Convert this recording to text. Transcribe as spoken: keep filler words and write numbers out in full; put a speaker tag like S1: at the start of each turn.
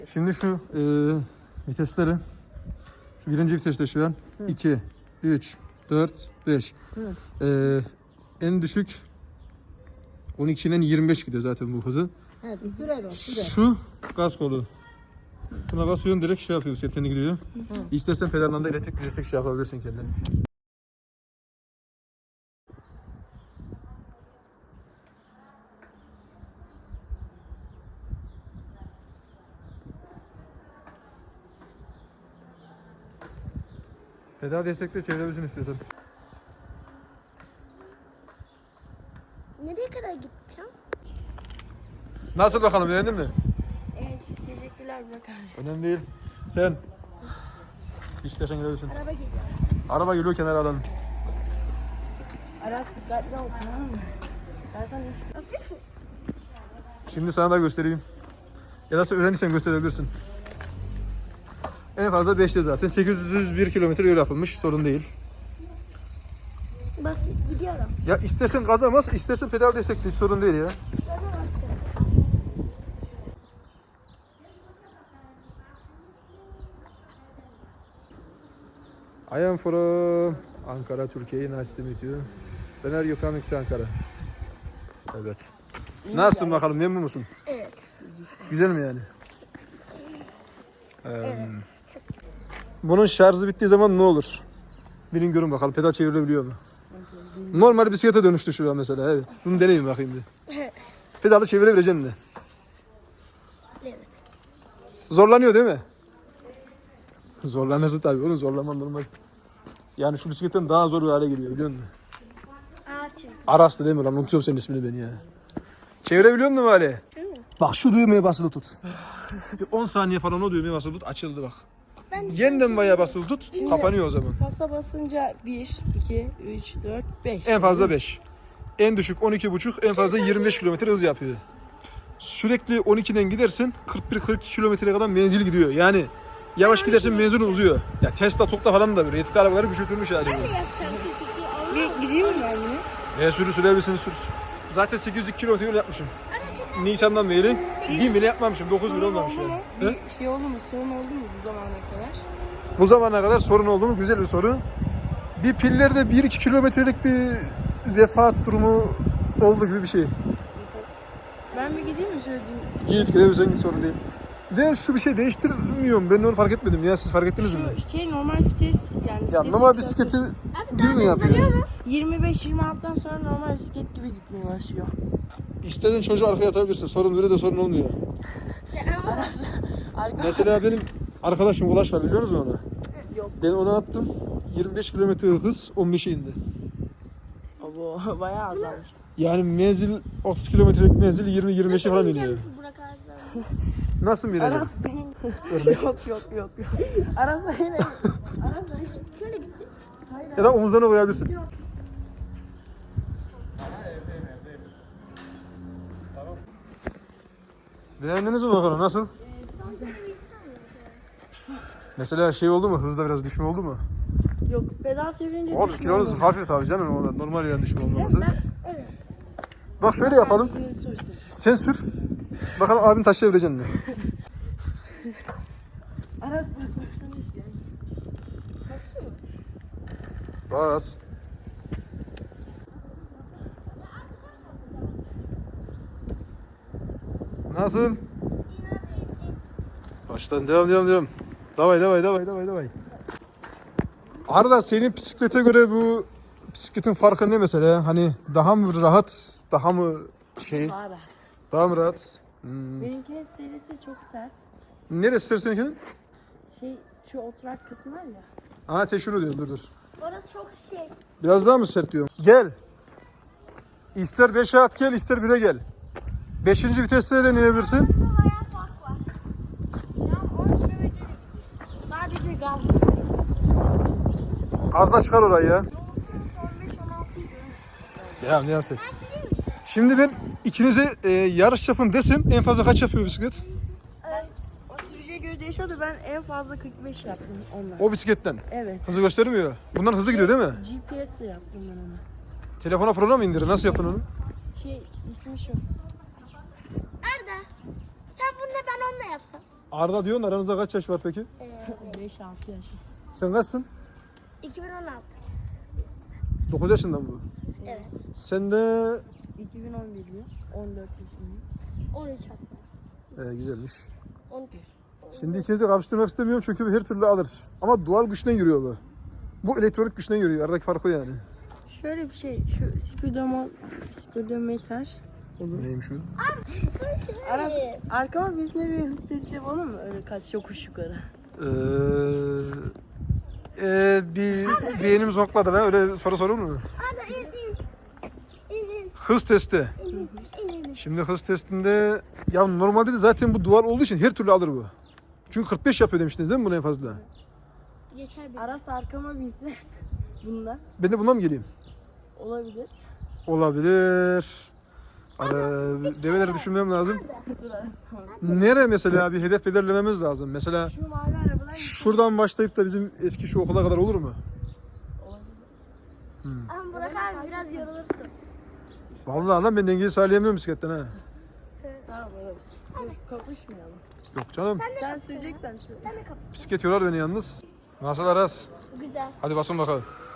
S1: Şimdi şu e, vitesleri, şu birinci viteste şu an iki, üç, dört, beş. E, en düşük on ikiden yirmi beş gidiyor zaten bu hızı.
S2: Evet, sürer o, sürer.
S1: Şu gaz kolu. Buna basıyorsun direkt şey yapıyor, set kendi gidiyor. Hı. İstersen pedaldan da elektrik destek şey yapabilirsin kendine. Pedal destekle çevirebilirsin istiyorsan.
S3: Nereye kadar gideceğim?
S1: Nasıl bakalım, beğendin mi?
S3: Evet, teşekkürler Burak abi.
S1: Önemli değil. Sen. İstersen gidebilirsin.
S3: Araba geliyor.
S1: Araba geliyor, kenara alalım.
S2: Aras dikkatli ol, tamam mı? Ben sana iş...
S3: Hafif mi?
S1: Şimdi sana da göstereyim. Ya da sen öğrendiysen gösterebilirsin. En fazla beşte zaten. sekiz yüz bir kilometre yol yapılmış. Sorun değil.
S3: Basit gidiyorum.
S1: Ya istersen gaza bas, istersen pedal destekle. Hiç sorun değil ya. I am from Ankara, Türkiye. Nice to meet you. When are you coming to Ankara? Evet. Nasılsın bakalım, memnun musun?
S3: Evet.
S1: Güzel mi yani? Ee, bunun şarjı bittiği zaman ne olur? Bilin görün bakalım, pedal çevrilebiliyor mu? Normal bisiklete dönüştü şu an mesela, evet. Bunu deneyin bakayım bir. Pedalı çevirebileceksin de.
S3: Evet.
S1: Zorlanıyor değil mi? Zorlanırsın tabii oğlum, zorlaman normal. Yani şu bisikletten daha zor bir hale geliyor, biliyor musun?
S3: Ağaç.
S1: Aras'tı değil mi lan? Unutuyorum senin ismini beni ya. Çevirebiliyor musun böyle? Bak şu düğmeye basılı tut. Bir on saniye falan o düğmeye basılı tut, açıldı bak.
S3: Ben
S1: Yeniden bayağı basılı tut, kapanıyor o zaman.
S2: Pasa basınca bir, iki, üç, dört, beş.
S1: En fazla beş. En düşük on iki buçuk, en fazla yirmi beş kilometre hız yapıyor. Sürekli on ikiden gidersin, kırk bir kırk iki kilometreye kadar menzil gidiyor. Yani yavaş gidersin menzilin uzuyor. Ya Tesla, Tok'ta falan da böyle yetkili arabaları küçültülmüş hali.
S3: Ben de yapacağım kırk iki.
S2: Bir gideyim mi ben yine?
S1: E sürü sürebilirsin sür. Zaten sekiz yüz kilometre yol yapmışım. Nisan'dan beri bir bile yapmamışım, dokuz bile olmamış
S2: oldu mu?
S1: yani. He?
S2: Bir şey oldu mu? Sorun oldu mu bu zamana kadar?
S1: Bu zamana kadar sorun oldu mu? Güzel bir soru. Bir pillerde bir iki kilometrelik bir vefat durumu oldu gibi bir şey.
S2: Ben bir gideyim mi şöyle diyeyim?
S1: Git gidebilirsen git, sorun değil. De şu bir şey değiştirmiyorum. Ben onu fark etmedim ya, siz fark ettiniz mi?
S2: Şu şey normal vites yani.
S1: Ya
S2: vites
S1: normal
S2: yükseltiyor.
S1: bisikleti gibi mi yapıyor?
S2: yirmi beş yirmi altıdan sonra normal bisiklet gibi gitmeye başlıyor.
S1: İstediğin çocuğu arkaya atabilirsin. Sorun böyle de sorun olmuyor.
S2: Arası. Arka.
S1: Mesela benim arkadaşım Ulaş var, biliyor musunuz onu?
S2: Yok.
S1: Ben ona attım. yirmi beş kilometre hız on beşe indi.
S2: Bu bayağı azalmış.
S1: Yani menzil otuz kilometrelik menzil yirmi yirmi beşe falan iniyor.
S3: Burak abi.
S1: Nasıl mı inecek?
S2: Aras benim. yok yok yok yok. Aras benim. Aras benim.
S3: Şöyle gitsin.
S1: Ya da omuzlarına koyabilirsin. Beğendiniz mi bakalım, nasıl? Mesela şey oldu mu? Hızda biraz düşme oldu mu?
S2: Yok pedal çevirince
S1: Oğlum
S2: düşmüyor
S1: kilonuz
S2: mu?
S1: hafif abi canım, o da normal yani düşme olmaması.
S3: Evet.
S1: Bak şöyle yapalım.
S2: Birini sor istersen.
S1: Sen sür. Bakalım abin taşıyabilecek mi?
S2: Aras bak baksana işte. Nasıl mı?
S1: Bas. Nasıl? Baştan devam devam devam. Davay davay davay davay davay. Arda, senin bisiklete göre bu bisikletin farkı ne mesela? Hani daha mı rahat, daha mı şey,
S2: Daha rahat.
S1: daha mı rahat? Hmm.
S2: Benimkinin serisi çok sert.
S1: Neresi sır seninkinin?
S2: Şey şu oturak kısmı var ya.
S1: Aha sen şunu diyorsun, dur dur.
S3: Orası çok şey.
S1: Biraz daha mı sert diyorum? Gel. İster beşe at gel, ister bire gel. beşinci viteste de deneyebilirsin.
S3: Bayağı fark var.
S2: Şu an on kilometrelik. Sadece gaz.
S1: Gazla çıkar orayı ya.
S3: Yolun süresi on beş on altı idi.
S1: Devam devam sen. Şimdi ben ikinize e, yarış yapın desem en fazla kaç yapıyor bisiklet?
S2: Ben o sürücüye göre değişiyordu. Ben en fazla kırk beş yaptım onunla.
S1: O bisikletten.
S2: Evet.
S1: Hızı göstermiyor. Bundan hızlı gidiyor değil mi?
S2: G P S ile yaptım ben onu.
S1: Telefona program indirir. Nasıl yaptın onu?
S2: Şey ismi şu.
S3: Arda. Sen bunu da ben onunla yapsam.
S1: Arda diyorsun, aranızda kaç yaş var peki?
S2: beş altı yaş.
S1: Sen kaçsın?
S3: iki bin on altı.
S1: dokuz yaşında mı bu?
S3: Evet.
S1: Sen de
S2: iki bin on birli. on dört yaşındayım.
S3: on üç hatta.
S1: ee, güzelmiş.
S3: on üç.
S1: Şimdi ikinizi kapıştırmak istemiyorum çünkü her türlü alır. Ama doğal güçten yürüyor bu. Bu elektronik güçten yürüyor. Aradaki fark o yani.
S2: Şöyle bir şey, şu spidomo, spidometer olur.
S1: Neymiş bu?
S2: Aras, arkama bizimle bir hız testi yapalım mı? Öyle kaç yokuş yukarı.
S1: Ee, ee, bir beynimiz okladı lan. Öyle soru sorulur mu?
S3: Hadi in in. İn in.
S1: Hız testi.
S3: İn in. in.
S1: Şimdi hız testinde ya normalde de zaten bu duvar olduğu için her türlü alır bu. Çünkü kırk beş yapıyor demiştiniz değil mi bunu en fazla?
S3: Geçer bir.
S2: Aras arkama binse bunda
S1: Ben de bundan mı geleyim?
S2: olabilir.
S1: Olabilir. Ara, develeri düşünmem lazım.
S2: Dur Aras, tamam.
S1: Nereye mesela bir hedef belirlememiz lazım. Mesela
S2: Şu mavi arabadan
S1: şuradan başlayıp da bizim eski şu okula kadar olur mu?
S2: olabilir.
S3: Ama Burak abi biraz yorulursun.
S1: Vallahi lan ben dengeyi sağlayamıyorum bisikletten ha.
S2: Tamam Aras. Dur, kapışmayalım.
S1: Yok canım.
S2: Sen süreceksen sür.
S3: Sen de kapı.
S1: Bisiklet yorar beni yalnız. Nasıl Aras?
S3: Güzel.
S1: Hadi basın bakalım.